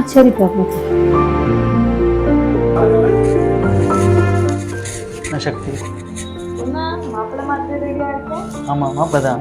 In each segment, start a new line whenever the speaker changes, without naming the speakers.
சரிப்பா.
சக்தி.
மாப்பிள்ளை மாதிரி ரெடியா இருக்கேன்.
ஆமா மாப்பிள்ளை தான்.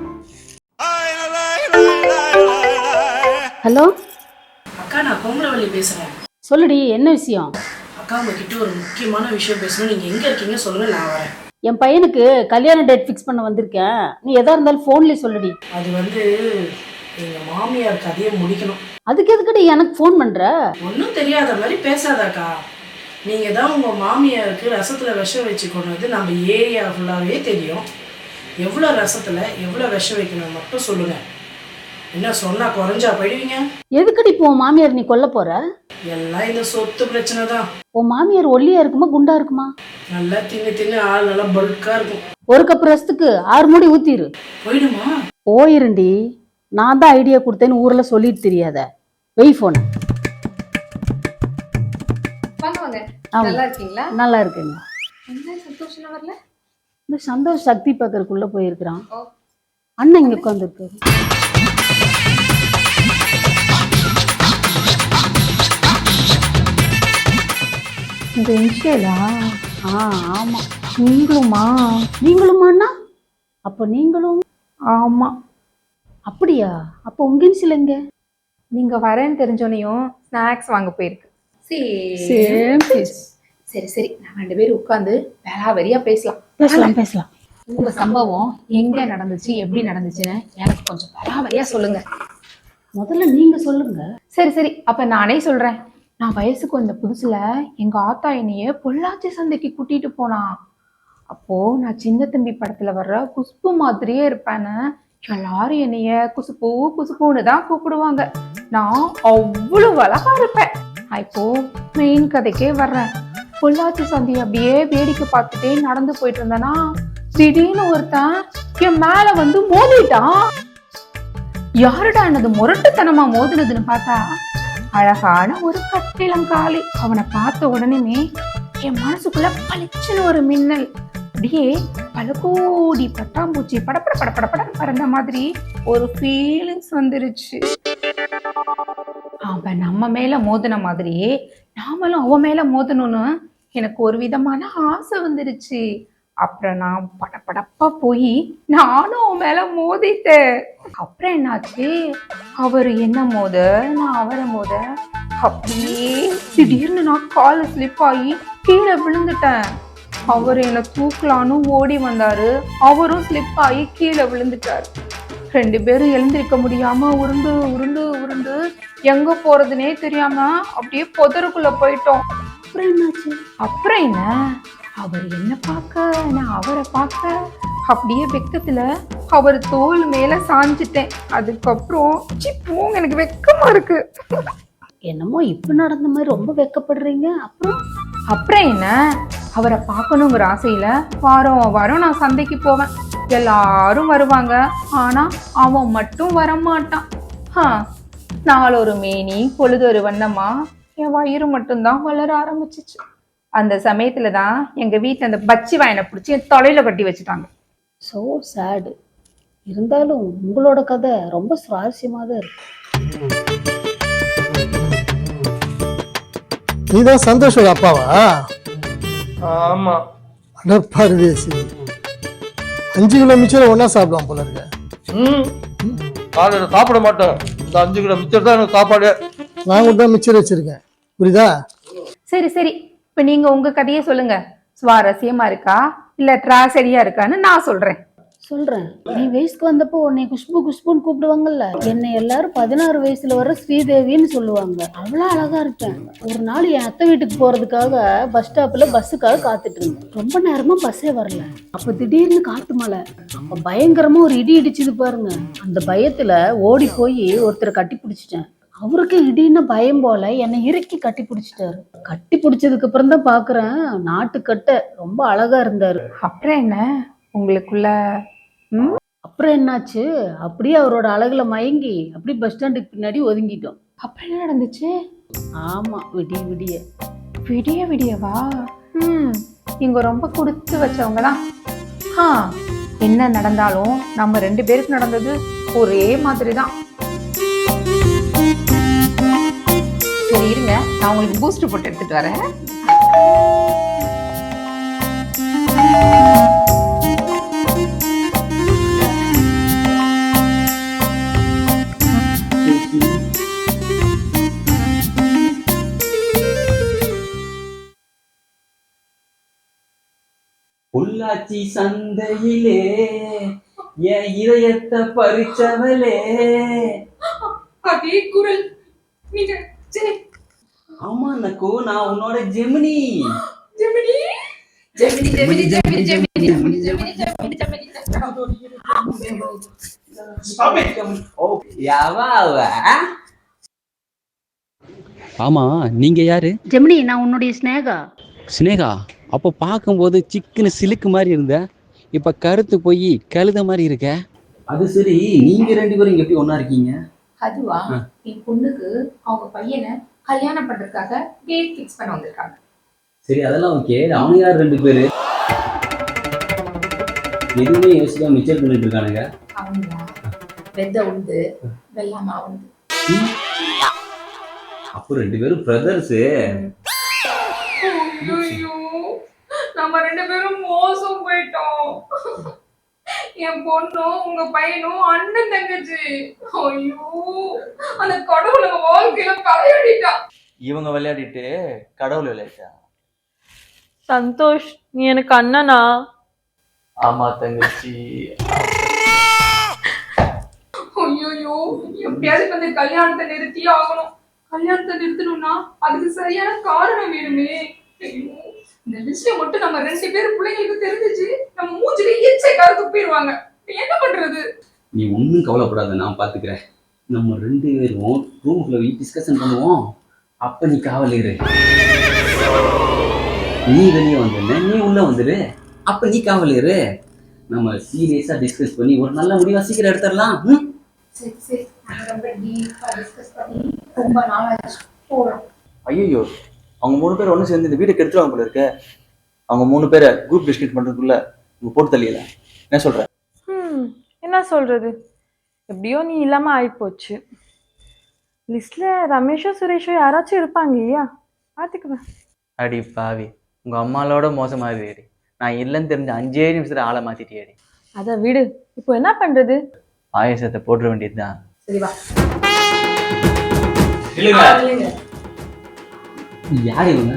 ஹலோ
அக்கா, நான் கோமரவள்ளி பேசுறேன்.
சொல்லுடி, என்ன விஷயம்?
அக்கா, உங்ககிட்ட ஒரு முக்கியமான விஷயம் பேசணும். நீங்க எங்க இருக்கீங்க சொல்லுங்க, நான் வரேன்.
என் பையனுக்கு கல்யாண டேட் ஃபிக்ஸ் பண்ண வந்திருக்கேன். நீ எதா இருந்தாலும் ஃபோன்லேயே சொல்லுடி.
அது எங்க மாமியார் கதையை முடிக்கணும்.
அதுக்கு எதுக்கடி எனக்கு ஃபோன் பண்ற?
ஒன்றும் தெரியாத மாதிரி பேசாதாக்கா. நீங்க தான் உங்க மாமியாருக்கு ரசத்துல விஷம் வச்சு கொண்டது நம்ம ஏரியா ஃபுல்லாவே தெரியும். எவ்வளோ ரசத்துல எவ்வளோ விஷம் வைக்கணும் மட்டும் சொல்லுங்க. என்ன சொன்னா குறைஞ்சா போயிடுவீங்க?
எதுக்கடி இப்போ உன் மாமியார் நீ கொல்ல போற?
எல்லாம் இந்த சொத்து பிரச்சனை தான்.
உன் மாமியார் ஒல்லியா இருக்குமா குண்டா இருக்குமா?
நல்லா தின்னு ஆள் நல்லா பல்கா இருக்கும்.
ஒரு கப் ரசத்துக்கு 6 மூடி ஊத்திரு.
போயிடுமா?
போயிருண்டி. நான் தான் ஐடியா கொடுத்தேன்னு ஊர்ல சொல்லிட்டு தெரியாத. வெய் போன.
நல்லா இருக்கீங்களா?
நல்லா இருக்குங்க.
என்ன சந்தோஷம் வரல?
இந்த சந்தோஷ் சக்தி பக்கருக்குள்ள போயிருக்கிறான். அண்ணன் இங்க உட்காந்துருக்காரு.
இந்த இன்ஷியலா?
ஆமா.
நீங்களுமா?
நீங்களுமாண்ணா? அப்ப நீங்களும்?
ஆமா.
அப்படியா? அப்ப உங்க இன்ஷியல் எங்க?
நீங்க வரேன்னு தெரிஞ்சோனையும் ஸ்நாக்ஸ் வாங்க போயிருக்கு. சரி சரி, நான் 2 பேரும் உட்காந்து வேளாவரியா பேசலாம். உங்க சம்பவம் எங்க நடந்துச்சு, எப்படி நடந்துச்சுன்னு எனக்கு கொஞ்சம் வேளாவரியா சொல்லுங்க.
முதல்ல நீங்க சொல்லுங்க.
சரி, அப்ப நானே சொல்றேன். நான் வயசுக்கு வந்த புதுசுல எங்க ஆத்தா என்னைய பொள்ளாச்சி சந்தைக்கு கூட்டிட்டு போனா. அப்போ நான் சின்ன தம்பி படத்துல வர்ற குஷ்பு மாதிரியே இருப்பேன்னு எல்லாரும் என்னைய குசுப்புன்னு தான் கூப்பிடுவாங்க. நான் அவ்வளவு அழகா இருப்பேன். இப்போ மெயின் கதைக்கே வர்றேன். பொள்ளாச்சி சந்தை அப்படியே வேடிக்கை பார்த்துட்டே நடந்து போயிட்டு இருந்தேன்னா திடீர்னு ஒருத்தன் என் மேல வந்து மோதிட்டான். யாருடா என்னது முரட்டுத்தனமா மோதுனதுன்னு பார்த்தா அழகான ஒரு கட்டிலங்காலி. அவனை பார்த்த உடனே என் மனசுக்குள்ள பளிச்சுன்னு ஒரு மின்னல். அப்படியே பல கோடி பட்டாம்பூச்சி படப்பட பறந்த மாதிரி ஒரு ஃபீலிங்ஸ் வந்துருச்சு. அவன் நம்ம மேல மோதின மாதிரியே நாமளும் அவன் மேல மோதணும்னு எனக்கு ஒரு விதமான ஆசை வந்துருச்சு. அப்புறம் நான் படப்படப்பா போய் நானும் அவன் மேல மோதிட்டேன். அப்புறம் என்னாச்சு, அவரு என்ன மோத நான் அவரை மோத அப்படியே திடீர்னு நான் கால ஸ்லிப் ஆகி கீழே விழுந்துட்டேன். அவர் என்னை தூக்கலான்னு ஓடி வந்தாரு. அவரும் ஸ்லிப் ஆகி கீழே விழுந்துட்டாரு. 2 பேரும் எழுந்திருக்க முடியாம உருண்டு உருண்டு உருண்டு எங்க போறதுனே தெரியாம அப்படியே புதருக்குள்ள போயிட்டோம். அப்புறம் என்ன, அவர் என்ன பார்க்க நான் அவரை பார்க்க அப்படியே வெக்கத்துல அவர் தோல் மேல சாஞ்சிட்டேன். அதுக்கப்புறம் போங்க, எனக்கு வெக்கமா இருக்கு.
என்னமோ இப்ப நடந்த மாதிரி ரொம்ப வெக்கப்படுறீங்க.
அப்புறம் என்ன, அவரை பார்க்கணுங்கிற ஆசையில வாரம் நான் சந்தைக்கு போவேன். எல்லாரும் வருவாங்க. ஆனா அவன் மட்டும் வரமாட்டான். நாளொரு மேனி பொழுதொரு வண்ணமா என் வயிறு மட்டும்தான் வளர ஆரம்பிச்சிச்சு. அந்த சமயத்துல தான் எங்க வீட்டுல அந்த பச்சி வாயனை பிடிச்சி என் தொலையில கட்டி வச்சுட்டாங்க.
So sad. இருந்தாலும் உங்களோட கதை ரொம்ப சுவாரஸ்யமா தான் இருக்கு.
நீதான் சந்தோஷோட அப்பாவா?
ஆமா.
அட பரதேசி, 5 கிலோ மிச்சம் ஒன்னா சாப்பிடுவான் போல இருக்க.
காலையில சாப்பிட மாட்டேன். இந்த 5 கிலோ மிச்சம் தான் எனக்கு சாப்பாடு.
நான் கூட தான் மிச்சர் வச்சிருக்கேன், புரியுதா?
சரி, இப்ப நீங்க உங்க கதையே சொல்லுங்க. சுவாரஸ்யமா இருக்கா இல்ல டிராஜடியா இருக்கான்னு நான் சொல்றேன்.
நீ வயசுக்கு வந்தப்போ உன்னை குஷ்புன்னு கூப்பிடுவாங்கல்ல. என்னை எல்லாரும் 16 வயசுல வர ஸ்ரீதேவின்னு சொல்லுவாங்க. அவ்வளவு அழகா இருப்பேன். ஒரு நாள் என் அத்தை வீட்டுக்கு போறதுக்காக பஸ் ஸ்டாப்ல பஸ்ஸுக்காக காத்துட்டு இருந்தேன். ரொம்ப நேரமா பஸ்ஸே வரல. அப்ப திடீர்னு காத்து மழை. அப்ப பயங்கரமா ஒரு இடி இடிச்சுது பாருங்க. அந்த பயத்துல ஓடி போய் ஒருத்தரை கட்டி பிடிச்சிட்டேன். அவருக்கு இடின்னு பயம் போல என்னை இறுக்கி கட்டி பிடிச்சிட்டாரு. கட்டி பிடிச்சதுக்கு அப்புறம் தான் பாக்குறேன், நாட்டுக்கட்ட ரொம்ப அழகா இருந்தாரு.
அப்புறம் என்ன உங்களுக்குள்ள?
அப்புறம் என்னாச்சு, அப்படியே அவரோட அழகுல மயங்கி அப்படி பஸ் ஸ்டாண்டுக்கு பின்னாடி ஒதுங்கிட்டோம்.
அப்புறம் என்ன நடந்துச்சு?
ஆமா,
விடியவா? இங்க ரொம்ப கொடுத்து வச்சவங்க தான். என்ன நடந்தாலும் நம்ம 2 பேருக்கு நடந்தது ஒரே மாதிரி தான். சரி இருங்க, நான் உங்களுக்கு பூஸ்ட் போட்டு எடுத்துட்டு வரேன்.
பொள்ளாச்சி சந்தையிலே என் இதயத்தை பறிச்சவளே.
அதே குரல். நீங்க சரி.
ஆமா நக்கு, நான் உன்னோட ஜெமினி.
ஜெமினி ஜெமினி ஜெமினி ஜெமினி ஜெமினி ஜெமினி ஜெமினி ஜெமினி ஜெமினி.
ஓ யாவா அவ?
ஆமா, நீங்க யாரு?
ஜெமினி, நான் உன்னுடைய ஸ்னேகா.
சினேகா. அப்போ பார்க்கும்போது சிக்கன சிலுக்கு மாதிரி இருந்த, இப்ப கருத்து போய் கழுத மாதிரி இருக்க.
அது சரி, நீங்க ரெண்டு பேரும் இங்க எப்படி ஒண்ணா இருக்கீங்க?
அதுவா, என் பொண்ணுக்கு அவங்க பையனை கல்யாணம் பண்றதுக்காக டேட் ஃபிக்ஸ் பண்ண வந்திருக்காங்க.
சரி அதெல்லாம் ஓகே. அவங்க யார் ரெண்டு பேரு? எதுவுமே யோசிக்காம மிச்சர் பண்ணிட்டு இருக்கானுங்க.
அவங்க வெத்த உண்டு வெள்ளாம உண்டு.
அப்போ ரெண்டு பேரும் பிரதர்ஸ்.
ஐயோ, நம்ம ரெண்டு பேரும் மோசம் போயிட்டோம். என் பொண்ணும் உங்க பையனும் அண்ணன் தங்கச்சி. ஐயோ, அந்த கடவுள் நம்ம வாழ்க்கையில தலையடிட்டான்.
இவங்க விளையாடிட்டு கடவுள் விளையாட்டா?
சந்தோஷ், நீ எனக்கு அண்ணனா?
ஆமா தங்கச்சி.
ஐயோ, எப்படியாவது இந்த கல்யாணத்தை நிறுத்தியே ஆகணும். கல்யாணத்தை நிறுத்தணும்னா அதுக்கு சரியான காரணம் வேணுமே. ஐயோ, இந்த விஷயம் மட்டும் நம்ம ரெண்டு பேரும் பிள்ளைங்களுக்கு தெரிஞ்சிச்சு, நம்ம மூஞ்சில ஈச்சை கார துப்பிடுவாங்க. என்ன பண்றது?
நீ ஒன்றும் கவலைப்படாத, நான் பார்த்துக்கிறேன். நம்ம ரெண்டு பேரும் ரூமுக்குள்ள போய் டிஸ்கஷன் பண்ணுவோம். அப்ப நீ காவல் இரு. நீ வெளியே வந்துடுன, நீ உள்ள வந்துடு. அப்ப நீ காவல் இரு. நம்ம சீரியஸா டிஸ்கஸ் பண்ணி ஒரு நல்ல முடிவா சீக்கிரம் எடுத்துடலாம்.
சரி சரி, ரொம்ப டீப்பா டிஸ்கஸ் பண்ணி ரொம்ப நாளாச்சு போறோம்.
ஐயோ, அவங்க 3 பேர் ஒன்று சேர்ந்து இந்த வீட்டை கெடுத்துருவாங்க போல இருக்க. அவங்க 3 பேரை குரூப் டிஸ்கஸ் பண்றதுக்குள்ள இவங்க போட்டு தள்ளியல. என்ன சொல்ற?
என்ன சொல்றது, எப்படியோ நீ இல்லாம ஆயிப்போச்சு. லிஸ்ட்ல ரமேஷோ சுரேஷோ யாராச்சும் இருப்பாங்க இல்லையா? பாத்துக்குவேன்.
அடி பாவி, உங்க அம்மாவோட மோசமாதிரி. நான் இல்லைன்னு தெரிஞ்ச 5 நிமிஷத்துல ஆளை மாத்திட்டியாடி.
அத விடு, இப்போ என்ன பண்றது?
ஆயசத்தை போட்டுற வேண்டியதுதான்.
சரி வா.
யார் இவங்க?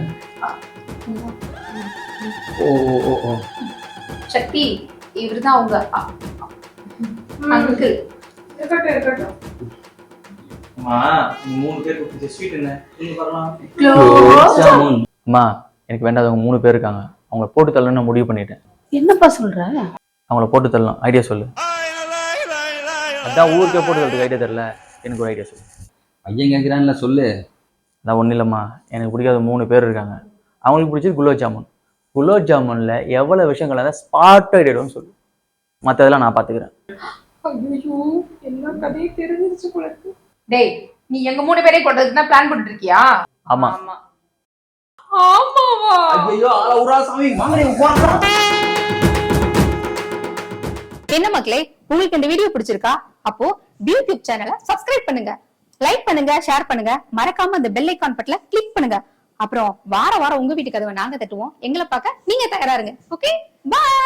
ஓ ஓ ஓ ஓ.
சக்தி, இவர்தான் உங்க அங்கிள். இருக்கட்டும் இருக்கட்டும்.
அம்மா, 3 பேர் கொடுத்து ஸ்வீட் என்ன நீங்க வரலாம். அம்மா, எனக்கு வேண்டாதவங்க 3 பேர் இருக்காங்க. அவங்கள போட்டு தள்ளணும்னு நான் முடிவு பண்ணிட்டேன்.
என்னப்பா சொல்ற?
அவங்கள போட்டு தள்ளலாம், ஐடியா சொல்லு. அதான் ஊருக்கே போட்டு தள்ளதுக்கு ஐடியா தெரியல, எனக்கு ஒரு ஐடியா சொல்லு.
ஐயன் கேட்குறான்ல, சொல்லு.
அதான் ஒன்றும் இல்லைம்மா, எனக்கு பிடிக்காத 3 பேர் இருக்காங்க. அவங்களுக்கு பிடிச்சது குலோப் ஜாமுன். குலோப் ஜாமுன்ல எவ்வளவு விஷயங்கள் இருந்தால் ஸ்பாட் ஐடியான்னு சொல்லு. மற்றதெல்லாம் நான் பார்த்துக்கிறேன்.
ஐயோ, என்ன கதையை தெரிஞ்சிருச்சு உங்களுக்கு. டேய், நீ எங்க 3 பேரையும் கொண்டதுக்கு தான் பிளான் பண்ணிட்டு இருக்கியா?
ஆமா.
ஆமாவா?
ஐயோ, ஆள உரா சாமி, வாங்கடே உட்கார்றா.
என்ன மக்களே, உங்களுக்கு இந்த வீடியோ பிடிச்சிருக்கா? அப்போ யூடியூப் சேனலை சப்ஸ்கிரைப் பண்ணுங்க, லைக் பண்ணுங்க, ஷேர் பண்ணுங்க, மறக்காம அந்த பெல் ஐகான் பட்டனை கிளிக் பண்ணுங்க. அப்புறம் வாரம் வாரம் உங்க வீட்டு கதவை நாங்க தட்டுவோம். எங்களை பார்க்க நீங்க தயாரா இருங்க. Okay, by.